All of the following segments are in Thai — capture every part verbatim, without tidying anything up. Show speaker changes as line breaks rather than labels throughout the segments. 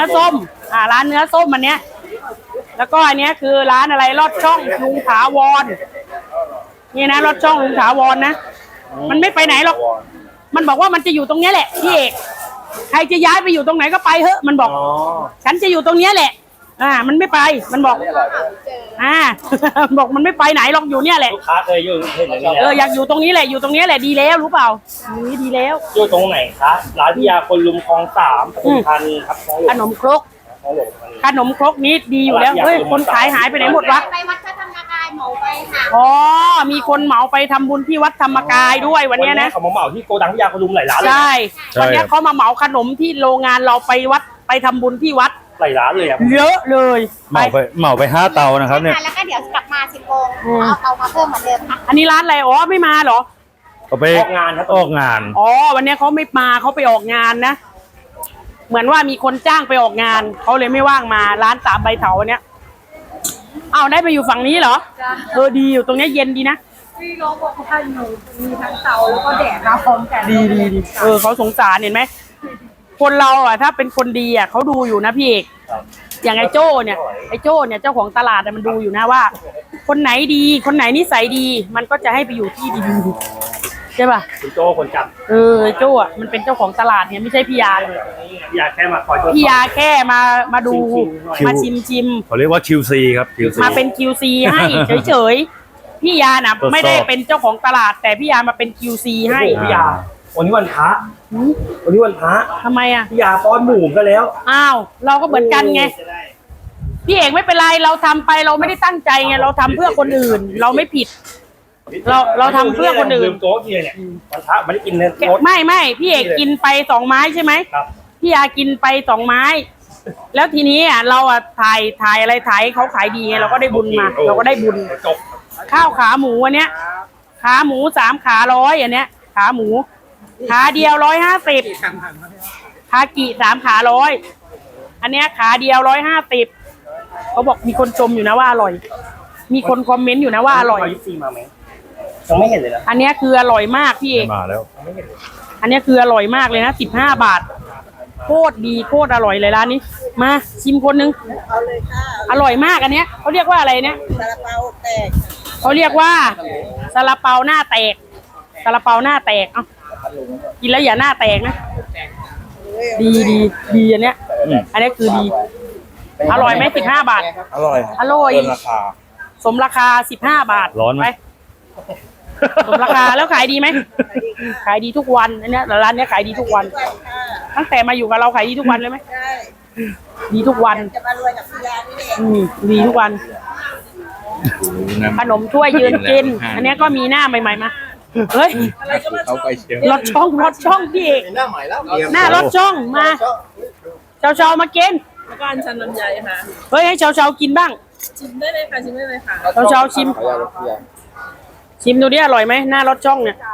ส้มอ่าร้านเนื้อส้มอันเนี้ยแล้วก็อันเนี้ยคือร้านอะไรลอดช่องลุงถาวรนี่นะลอดช่องลุงถาวรนะมันไม่ไปไหนหรอกมันบอกว่ามันจะอยู่ตรงนี้แหละพี่เอกใครจะย้ายไปอยู่ตรงไหนก็ไปเถอะมันบอกฉันจะอยู่ตรงนี้แหละอ่ามันไม่ไปมันบอกอ่า บอกมันไม่ไปไหนหรอกอยู่เนี่ยแหละ
ลูกค้าเคยอยู่เห็นอย่างนี้
เอออยากอยู่ตรงนี้แหละอยู่ตรงนี้แหละดีแล้วรู้เปล่านี่ดีแล้ว
อยู่ตรงไหนคะร้านพิยาคนลุมคลองสามปทุมธานีครับ
ขนมครกขนมครกนี้ดีอยู่แล้วเฮ้ยคนขายหายไปไหนหมดวะ
ไปวัดพระธรรมกายเหมาไปค่ะ
อ๋อมีคนเหมาไปทำบุญที่วัดธรรมกายด้วยวันนี้นะ
เขามาเหมาที่โกดังพิยาคนลุมหลายร้านเลย
ใช่วันนี้เขามาเหมาขนมที่โรงงานเราไปวัดไปทำบุญที่วัด
หลายร้านเลยอ่ะ
เยอะเลย
เหมาไปเหมาไปห้าเตานะครับเนี่ย
แล้วก็เดี๋ยวกลับมาสิบโมงเอาเตามาเพิ่มเหมือนเดิมค่ะ
อันนี้ร้านอะไรอ๋อไม่มาเหรอ
เขาไป
ออกงานครับ
ออกงาน
อ๋อวันนี้เขาไม่มาเขาไปออกงานนะเหมือนว่ามีคนจ้างไปออกงานเขาเลยไม่ว่างมาร้านสามใบเถาเนี้ยเอาได้ไปอยู่ฝั่งนี้เหรอเออดีอยู่ตรงนี้เย็นดีนะ
พี่น้องบอกเขาให้หนูมีทั้งเตาแล้วก็แดดมาพร้อมกัน
ดีดีดีเออเขาสงสารเห็นไหมคนเราอ่ะถ้าเป็นคนดีอ่ะเขาดูอยู่นะพี่เอกอย่างไอ้โจ้เนี่ยไอ้โจ้เนี่ยเจ้าของตลาดมันดูอยู่นะว่าคนไหนดีคนไหนนิสัยดีมันก็จะให้ไปอยู่ที่ดีๆใช่ป่ะ
คุณโจ้คนจับ
เออไอ้โจ้อ่ะมันเป็นเจ้าของตลาดเนี่ยไม่ใช่พี่ยาเลย
พี่ยาแค่มาคอย
พี่ยาแค่มามาดูมาชิมชิม
เขาเรียกว่า คิว ซี ครับ คิว ซี
มาเป็น คิว ซี ให้เฉยๆพี่ยาน่ะไม่ได้เป็นเจ้าของตลาดแต่พี่ยามาเป็น คิว ซี ให้
พี่ยาวันนี้วันพระวันนี้วันพระ
ทำไมอ่ะ
พี่ยาป้อนหมูก็แล้ว
อ้าวเราก็เหมือนกันไงพี่เอกไม่เป็นไรเราทำไปเราไม่ได้ตั้งใจไงเราทำเพื่อคนอื่นเราไม่ผิดเราเราทำเพื่อคนอื่น
ลืมโต๊ะเนี่ยวันพระไม่ได้กินเนี่ย
ไม่ไม่พี่เอกกินไปสองไม้ใช่ไหมพี่ยากินไปสองไม้แล้วทีนี้อ่ะเราอ่ะถ่ายถ่ายอะไรถ่ายเขาขายดีไงเราก็ได้บุญมาเราก็ได้บุญข้าวขาหมูอันเนี้ยขาหมูสามขาร้อยอันเนี้ยขาหมูขาเดียวร้อยห้าสิบขากี่สามขาร้อยอันเนี้ยขาเดียวร้อยห้าสิบเขาบอกมีคนชมอยู่นะว่าอร่อยมีคนคอมเมนต์อยู่นะว่าอร่อย
มาไหมยังไม่เห็นเลยนะ
อันเนี้ยคืออร่อยมากพี่เอก
มาแล้ว
อันเนี้ยคืออร่อยมากเลยนะสิบห้าบาทโคตรดีโคตรอร่อยเลยร้านนี้มาชิมคนนึงอร่อยมากอันเนี้ยเขาเรียกว่าอะไรเนี่ยซาลาเปาแตกเขาเรียกว่าซาลาเปาหน้าแตกซาลาเปาหน้าแตกเอ้ากินแล้วอย่าหน้าแตกนะดีดีดีอันเนี้ยอันนี้คือดีอร่อยไหมสิบห้าบาท
อร่อย
อร่อย
เกินราคา
สมราคาสิบห้าบาท
ร้อนไหม
สมราคาแล้วขายดีไหมขายดีทุกวันอันเนี้ยร้านเนี้ยขายดีทุกวันตั้งแต่มาอยู่กับเราขายดีทุกวันเลยไหมดีทุกวันจะมารวยกับพี่ยานี่เองดีทุกวันขนมถ้วยยืนกินอันนี้ก็มีหน้าใหม่ๆมาเฮ้ยรถช่องรถช่องพี่เอกหน้าใหม่แล้วหน้ารถช่องมาเชาเชามากิน
แล้วก็อันชันลำไยค่ะ
เฮ้ยให้เชาเชากินบ้าง
ชิมได้เลยค่ะชิมได้เลยค่ะ
เชาเชาชิมชิมดูดิอร่อยไหมหน้ารถช่องเนี่ย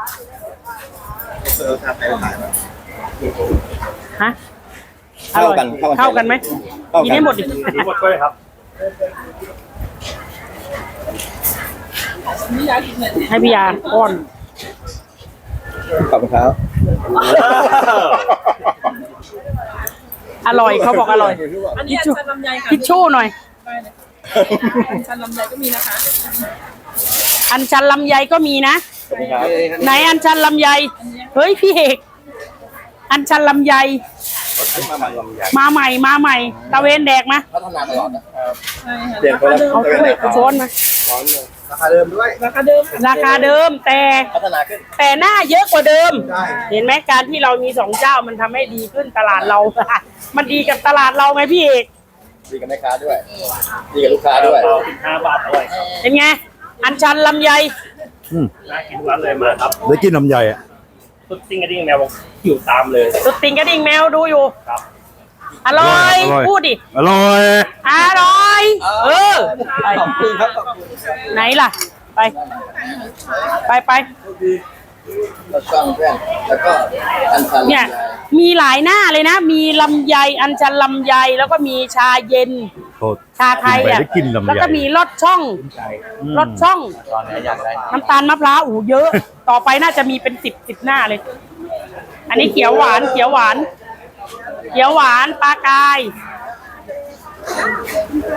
ฮะเข้ากันเข้ากันไหมกินให้หมดดิ
หมดเลยครับ
ให้พี่ยาป้อน
ขอบคุณครับ
อร่อยเขาบอกอร่อย
อันนี้อันชันลำไยค่ะ
ทิชชู่หน่อย
อันชันลำไยก็มีนะคะ
อันชันลำไยก็มีนะไหนอันชันลำไยเฮ้ยพี่เอกอันชันลำไยมาใหม่มาใหม่ตะเวนแดกมา
พัฒนาตลอดนะ
เดี๋ยว
เอาถ้วยช้อนมา
ราคาเดิมด้วย
ราคาเดิม
ราคาเดิมแต่
พัฒนาขึ้น
แต่หน้าเยอะกว่าเดิมเห็นไหมการที่เรามีสองเจ้ามันทำให้ดีขึ้นตลาดเรามันดีกับตลาดเราไงพี่เอก
ดีกับแม่ค้าด้วยดีกับลูกค้าด้วย
สิบห้าบาทอร่อย
เป็นไงอันชันลำไย
น่ากินทุกร้านเลยมาครับ
ได้กินลำไยอ่ะ
ตุ๊ดติ้งกระดิ่งแมวอยู่ตามเลย
ตุ๊ดติ้งกระดิ่งแมวดูอยู่ครับอร่อยพูดดิ
อร่อย
อร่อยเออขอบคุณครับไหนล่ะไปไปไปเนี่ยมีหลายหน้าเลยนะมีลำไยอัญชันลำไยแล้วก็มีชาเย็นชาไทยอ่ะแล้วก็มีลอดช่องลอดช่องน้ำตาลมะพร้าวอู๋เยอะต่อไปน่าจะมีเป็นสิบสิบหน้าเลยอันนี้เขียวหวานเขียวหวานเขียวหวานปลากาย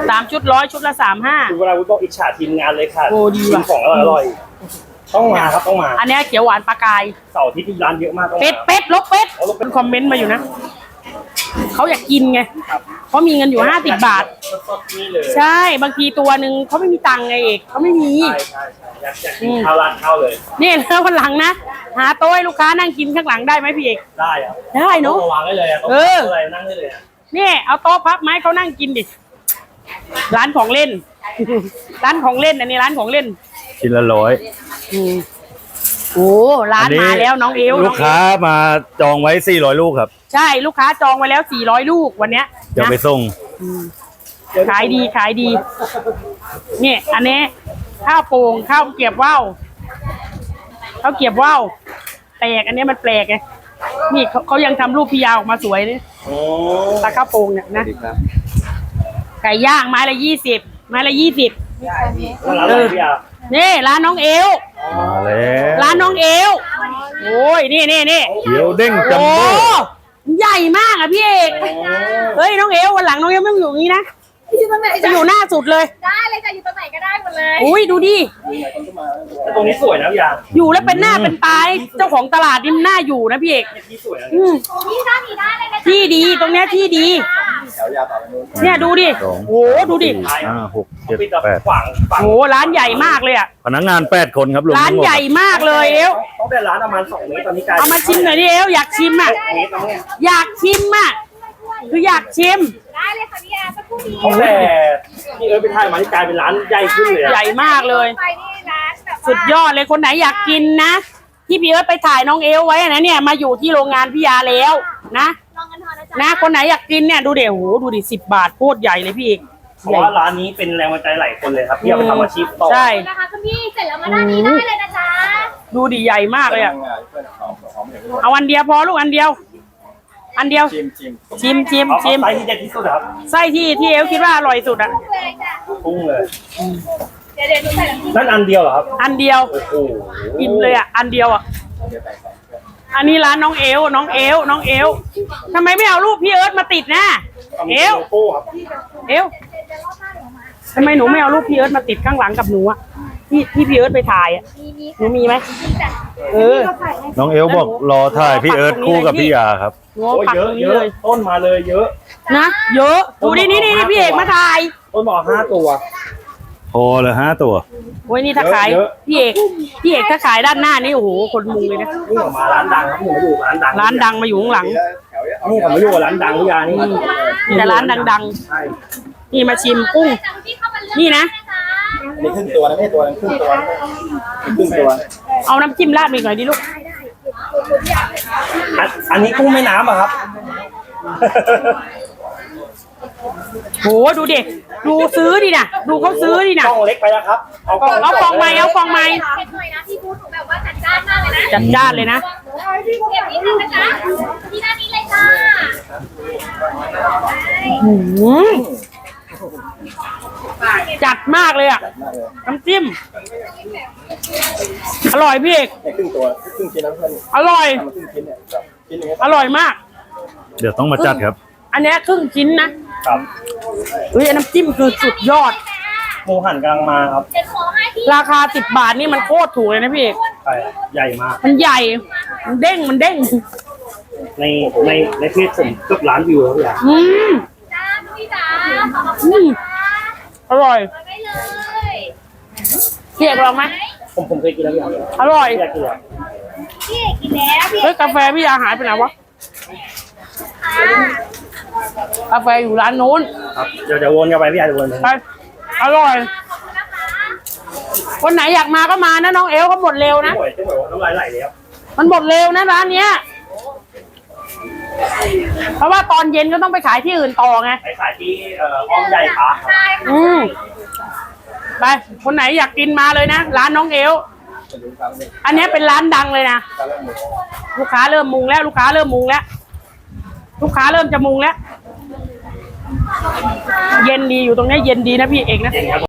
สามชุดร้อยชุดละสามห้า
คือเวลาวุ้บอกอิจฉาทีมงานเลยค่ะ
โอ้ดีว่ะ
กินของอร่อยๆต้องมาครับต้องมา
อันเนี้ยเขียวหวานปลากาย
เสาร์อาที่ที่ร้านเยอะมากต้อง
เป็ด
มา
เป็ดลบเป็ด
เอาลบเป็
เป็
ด
นคอมเมนต์มาอยู่นะเขาอยากกินไงเขามีเงินอยู่ห้าสิบบาท
สดๆนี่เลย
ใช่บางทีตัวหนึ่งเขาไม่มีตังค์ไงเอกเขาไม่มี
ใช่ใช่ใช่อยากอยากกินข้าวร้านข้าวเลย
นี่แล้ววันหลังนะหาโต๊ะให้ลูกค้านั่งกินข้างหลังได้ไหมพี่เอก
ได้อะ
ได้เนอะ
ต้องมาวางได้เลยอะต้อง
เออ
อะไรนั่งได้เลยอะ
นี่เอาโต๊ะพับไม้เขานั่งกินดิร้านของเล่น ร้านของเล่นอันนี้ร้านของเล่น
ชิ้นละร้อย
อืมโอ้ร้านมาแล้วน้องเอว
ลูกค้ามาจองไว้สี่ร้อยลูกครับ
ใช่ลูกค้าจองไว้แล้วสี่ร้อยลูกวันเนี้ย
เดี๋ยว
นะ
ไปส่ง
ขายดีขายดีเนี่ยอันนี้ข้าวโป่งข้าวเกรียบว่าวข้าวเกรียบว่าวแปลกอันนี้มันแปลกไงนี่เขาเขายังทำรูปพี่ยาวออกมาสวยนี่
โอ้
ตาข้าวโป่งเนี่ยนะไก่ย่างไม้ละยี่สิบไม้ละยี่สิบ
ร้านอะไรพี่อา
นี่ร้านน้องเอว
มาแล้ว
ร้านน้องเอวโอ้ยนี่นี่นี่
เขียวเด้งจัม
โอ้
โบ้
ใหญ่มากอ่ะพี่เอกเฮ้ยน้องเอววันหลังน้องเอวไม่ต้องอยู่อย่างนี้นะ
อยู่ตรงไหน
จะอยู่หน้าสุดเลย
ได้เลยจ้ะอยู่ตรงไหนก็ได้หมดเลย
อุ้ยดูดิ
แต่ตรงนี้สวยนะพี่อา
อยู่แล้วเป็นหน้าเป็นตายเจ้าของตลาดนี่มันน่าอยู่นะพี่เอก
ที่สวยนะ
อืม
นี่ด้านนี้ได้เลยนะจ๊ะ
ที่ดีตรงเนี้ยที่ดี
แถวยาวต่อไปนู้น
เนี่ยดูดิ
สอง
โอ้โหดูดิ
สี่ห้าหกเจ็ด
ปิดแบบ
แปด
ขวางฝั่ง
โอ้โหร้านใหญ่มากเลยอ่ะ
พนักงานแปดคนครับรวม
ร้าน
ทั้งหมด
ใหญ่มากเลยเอว
ต้องได้ร้านประมาณสองเมตรตอนนี้กลาย
เอามาชิมหน่อยดิเอวอยากชิมอ่ะ
เมตรแล้วเนี่ย
อยากชิมอ่ะคืออยากชิม
ได้เลยค่ะพี่อาสักครู่นี้
ตั้งแต่ที่เอิร์ธไปถ่ายมาที่กลายเป็นร้านใหญ่ขึ้นเลยอะ
ใหญ่มากเลย
ไปนี่ร้านแบบว่า
สุดยอดเลยคนไหนอยากกินนะที่พี่เอิร์ธไปถ่ายน้องเอวไว้นะเนี่ยมาอยู่ที่โรงงานพี่ยาแล้วนะ
ลองกันทอนนะจ๊ะ
นะคนไหนอยากกินเนี่ยดูเดี๋ยวโหดูดิสิบบาทโคตรใหญ่เลยพี่เอก
เพราะว่าร้านนี้เป็นแรงบันดาลใจหลายคนเลยครับที่เอาไปทำอาชีพต่อ
ใช่
นะคะคุณพี่เสร็จแล้วมาด้านนี้ได้เลยนะจ๊ะ
ดูดิใหญ่มากเลยอ่ะ
พนักงานเพื่อนของของอย่างนี้
เอาอันเดียวพอลูกอันเดียว อันเดียว
ชิมชิม
ชิมชิม
เอา
ชิม
เอาไซส์ที่เด็ดที่สุดครับ
ไส้ที่ที่เอวคิดว่าอร่อยสุดอ่ะ
เลยจ้ะ
พุ่งเลย
เดี๋ยวเดี๋ยวหนูใส่น้ำจิ้ม
นั่นอันเดียวเหรอครับ
อันเดียว
โอ้โห
กินเลยอ่ะอันเดียวอ่ะอันนี้ร้านน้องเอวน้องเอวน้องเอวทำไมไม่เอารูปพี่เอิร์ธมาติดนะเอว
โลโก้ครับ
เอวทำไมหนูไม่เอารูปพี่เอิร์ธมาติดข้างหลังกับหนูอ่ะที่ที่พี่เอิร์ธไปถ่ายอ่ะ
มีมี
หนูมีไหม
มีจ้ะ
เออ
น้องเอลบอกรอถ่ายพี่เอิร์ธคู่กับพี่ยาครับ
หนู
โอ้ย
ปัก
เย
ต
อะ
รง
เย
นี้
อะ
เลย
ต้นมาเลยเยอะ
นะเยอะดูดินี่นี่พี่เอกมาถ่าย
ต้นบอกห้าตัว
โทรเลยห้าตัว
โอ้ยนี่ถ้าขาย
เยอะ
พี่เอกพี่เอกถ้าขายด้านหน้านี่โอ้โหคนมุงเลยนะ
นี่ออกมาร้านดังครับผมมาอยู่ร้านดัง
ร้านดังมาอยู่ข้างหลัง
นี่ผมมาอยู่กับร้านดังพี่ยานี่
มีแต่ร้านดัง
ใช่
ๆ นี่มาชิมกุ้ง
จ้ะคุณพี่เข้ามาเลือก
นี่นะ
นี่ครึ่งตัวนะไม่ใช่ตัวนึงครึ่งตัวครึ่งตัว
เอาน้ำจิ้มราดไปหน่อยดิลูก
อันอันนี้กุ้งแม่น้ำอะครับ
โหดูดิดูซื้อดินะดูเขาซื้อดินะ
กล้องเล็กไปแล้วครับ เอากล้อง
เอาฟองไม้เอาฟองไม้
เผ็ดหน่อยนะที่พูดหนูแบบว่าจัดจ้านมากเลยนะ
จัดจ้านเลยนะ
เก็บนิดนึงนะจ๊ะที่ด้านนี้เลยจ้า
หืมจัดมากเลยอ่ะน้ำจิ้มอร่อยพี่เอก
ครึ่งตัวครึ่งชิ้นนะเพื่อน
อร่อย
ทำครึ่งชิ้นเนี่ยชิ้นนึง
อร่อยมาก
เดี๋ยวต้องมาจัดครับ
อันเนี้ยครึ่งชิ้นนะครับ เฮ้ยน้ำจิ้มคือสุดยอด
หมูหันกำลังมาครับ
เดี๋ยวขอให้พี่
ราคาสิบบาทนี่มันโคตรถูกเลยนะพี่เอก
ใช่ใหญ่มาก
มันใหญ่ มันเด้งมันเด้ง
ในในในเพจผมเกือบล้านวิวแล้วพี่ยา
อืม
จ้าพี่จ๋าขอบคุณ
อืม
ค่ะ
อร่อย
มาได้เลย
พี่เอกลองไหม
ผมผมเคยกินแล้วพี่ยา
อร่อย
พี่ยากินแล้ว
พี่เอกกินแล้วพี่เอ
เฮ้ย
ก
กาแฟพี่ยาหายไปไหนวะ
ค่ะ
กาแฟอยู่ร้านนู้น
ครับเดี๋ยวเดี๋ยววนกันไปพี่ยาเดี๋ยววนไป
ไปอร่อย
ขอบคุณนะคะ
คนไหนอยากมาก็มานะน้องเอลเขาหมดเร็วนะ
เจ๊หมวยเจ๊หมวยน้ำลายไหลแล้ว
มันหมดเร็วนะร้านเนี้ย เพราะว่าตอนเย็นก็ต้องไปขายที่อื่นต่อไง
ไปขายที่เอ่ออ้อมใหญ่ขาครับ
ใช่ค่ะ
อืมไป คนไหนอยากกินมาเลยนะ ร้านน้องเอล อันเนี้ยเป็นร้านดังเลยนะ ลูกค้าเริ่มมุงแล้ว ลูกค้าเริ่มมุงแล้ว ลูกค้าเริ่มจะมุงแล้ว เย็นดีอยู่ตรงเนี้ยเย็นดีนะพี่เอกนะ
เย็นครับ